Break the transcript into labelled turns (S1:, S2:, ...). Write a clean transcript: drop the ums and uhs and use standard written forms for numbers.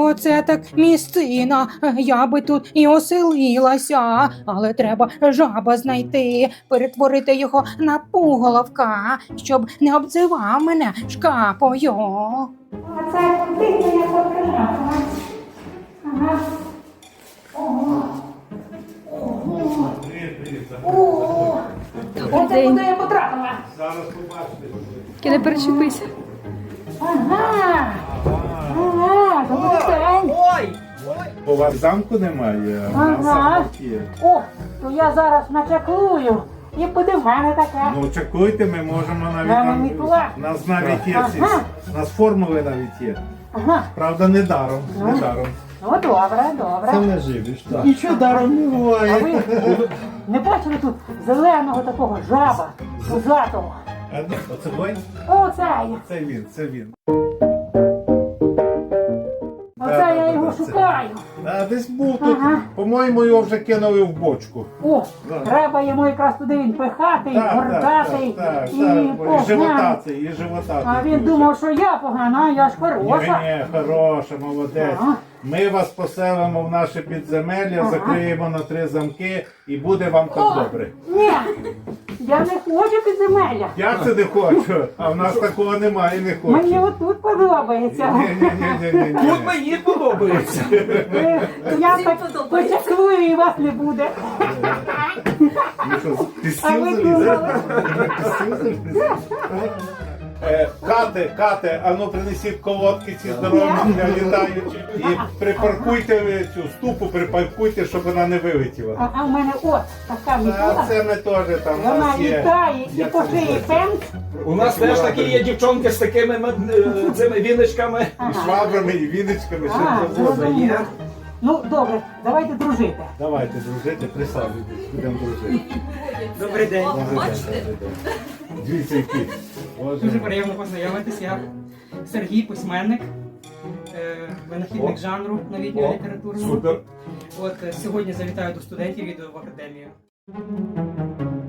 S1: Оце так місцина. Я би тут і оселилася. Але треба жаба знайти, перетворити його на пуголовка, щоб не обзивав мене шкапою. Оце куди я потрапила? Ага. Ого. Ого. Ого. Оце куди я потрапила?
S2: Зараз побачите.
S3: Тільки не перечепися.
S1: Ага. Ага, добрий день.
S2: У вас замку немає, а в нас
S1: Ага.
S2: замок є.
S1: О, то я зараз начаклую. І буде в мене таке.
S2: Ну чекуйте, ми можемо навіть
S1: Нам мітла.
S2: у нас навіть є ці.
S1: Ага.
S2: У нас формули навіть є.
S1: Ага.
S2: Правда, не даром. Не
S1: Ну.
S2: даром.
S1: Ну, добре, добре.
S2: не живеш, так. Нічого даром не
S1: А
S2: буває.
S1: ви не бачили тут зеленого такого жаба, пузатого?
S2: А де? Оце той?
S1: Оцей.
S2: Це він.
S1: Оце я його шукаю.
S2: А десь був тут.
S1: Ага.
S2: По-моєму, його вже кинули в бочку.
S1: О,
S2: Да.
S1: треба йому якраз туди він пихатий, гордатий
S2: так,
S1: і
S2: і
S1: поганий.
S2: животатий, і животатий.
S1: А він
S2: дуже.
S1: думав, що я погана, а я ж хороша.
S2: Ні, хороша, молодець.
S1: Ага.
S2: Ми вас поселимо в наше підземелля,
S1: Ага.
S2: закриємо на 3 замки і буде вам так
S1: О,
S2: добре.
S1: ні, я не хочу підземелля.
S2: Я це не хочу, а в нас такого немає, не хочу.
S1: Мені отут подобається.
S2: Ні.
S4: Тут мені подобається.
S1: Я так почаклую і вас не буде.
S2: Ну що, ти
S1: А ви
S2: стіл
S1: думали?
S2: заліз? Кате, а ну принесіть колодки ці здорові для літаючих і припаркуйте ви цю ступу, припаркуйте, щоб вона не вилетіла.
S1: А в мене от така
S2: А
S1: мітла.
S2: це ми теж там у
S1: Вона
S2: нас є.
S1: літає і
S2: Як
S1: по
S2: це
S1: шиї
S2: називається?
S1: пенк.
S4: У нас теж такі є дівчонки з такими цими віночками.
S2: І швабрами, і віночками,
S1: А,
S2: що завгодно
S1: зрозуміло.
S2: є.
S1: Ну, добре, давайте дружити.
S2: Давайте дружити, присаджуйтесь, будемо дружити.
S5: Добрий день.
S2: Добрий день. Дивіться, які. Боже
S5: Дуже
S2: мій.
S5: приємно познайомитись. Я Сергій, письменник, винахідник
S2: О.
S5: жанру новітнього
S2: О,
S5: літературного.
S2: Супер.
S5: От сьогодні завітаю до студентів відео в академію.